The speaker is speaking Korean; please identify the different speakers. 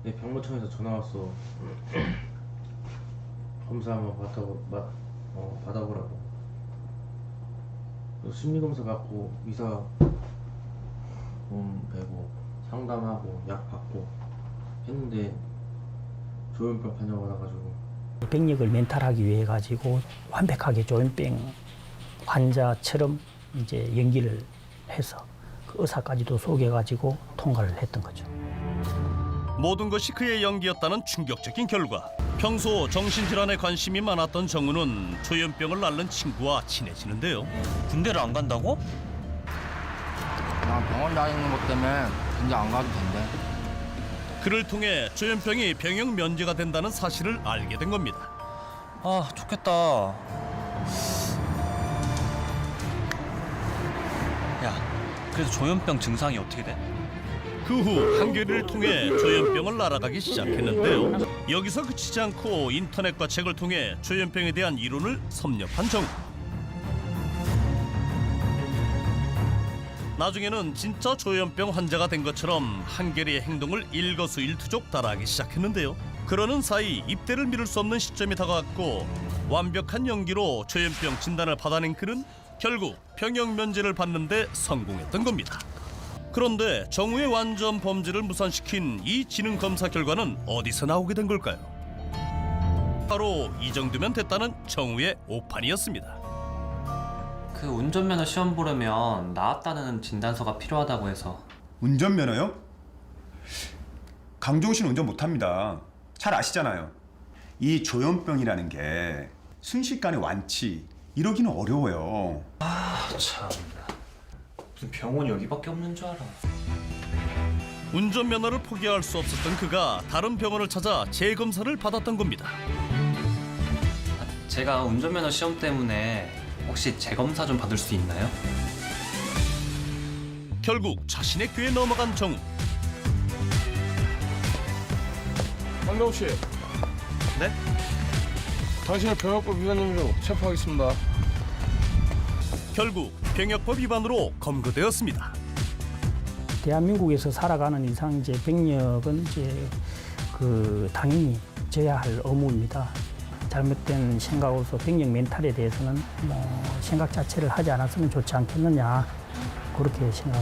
Speaker 1: 네, 병무청에서 전화 왔어. 검사 한번 받아보라고. 심리검사 받고 의사 돈 내고 상담하고 약 받고 했는데 조현병 판정 받아가지고.
Speaker 2: 병력을 멘탈하기 위해 가지고 완벽하게 조현병 환자처럼 이제 연기를 해서 그 의사까지도 속여가지고 통과를 했던 거죠.
Speaker 3: 모든 것이 그의 연기였다는 충격적인 결과. 평소 정신질환에 관심이 많았던 정우는 조현병을 앓는 친구와 친해지는데요.
Speaker 4: 군대를 안 간다고?
Speaker 5: 나 병원 다니는 것 때문에 군대 안 가도 된대.
Speaker 3: 그를 통해 조현병이 병역 면제가 된다는 사실을 알게 된 겁니다.
Speaker 4: 아, 좋겠다. 야, 그래서 조현병 증상이 어떻게 돼?
Speaker 3: 그 후 한겨레를 통해 조현병을 알아가기 시작했는데요. 여기서 그치지 않고 인터넷과 책을 통해 조현병에 대한 이론을 섭렵한 정우. 나중에는 진짜 조현병 환자가 된 것처럼 한겨레의 행동을 일거수일투족 따라하기 시작했는데요. 그러는 사이 입대를 미룰 수 없는 시점이 다가왔고 완벽한 연기로 조현병 진단을 받아낸 그는 결국 병역 면제를 받는 데 성공했던 겁니다. 그런데 정우의 완전 범죄를 무산시킨 이 지능 검사 결과는 어디서 나오게 된 걸까요? 바로 이 정도면 됐다는 정우의 오판이었습니다.
Speaker 6: 그 운전면허 시험 보려면 나왔다는 진단서가 필요하다고 해서.
Speaker 7: 운전면허요? 강종우 씨는 운전 못합니다. 잘 아시잖아요. 이 조현병이라는 게 순식간에 완치 이러기는 어려워요.
Speaker 6: 참나. 무슨 병원이 여기밖에 없는 줄 알아.
Speaker 3: 운전면허를 포기할 수 없었던 그가 다른 병원을 찾아 재검사를 받았던 겁니다.
Speaker 6: 제가 운전면허 시험 때문에 혹시 재검사 좀 받을 수 있나요?
Speaker 3: 결국 자신의 꾀에 넘어간 정우.
Speaker 8: 강동우 씨.
Speaker 4: 네?
Speaker 8: 당신을 병역법 위반 혐의로 체포하겠습니다.
Speaker 3: 결국 병역법 위반으로 검거되었습니다.
Speaker 2: 대한민국에서 살아가는 이상 이제 병력은 이제 그 당연히 져야 할 의무입니다. 잘못된 생각으로서 병력 멘탈에 대해서는 뭐 생각 자체를 하지 않았으면 좋지 않겠느냐 그렇게 생각을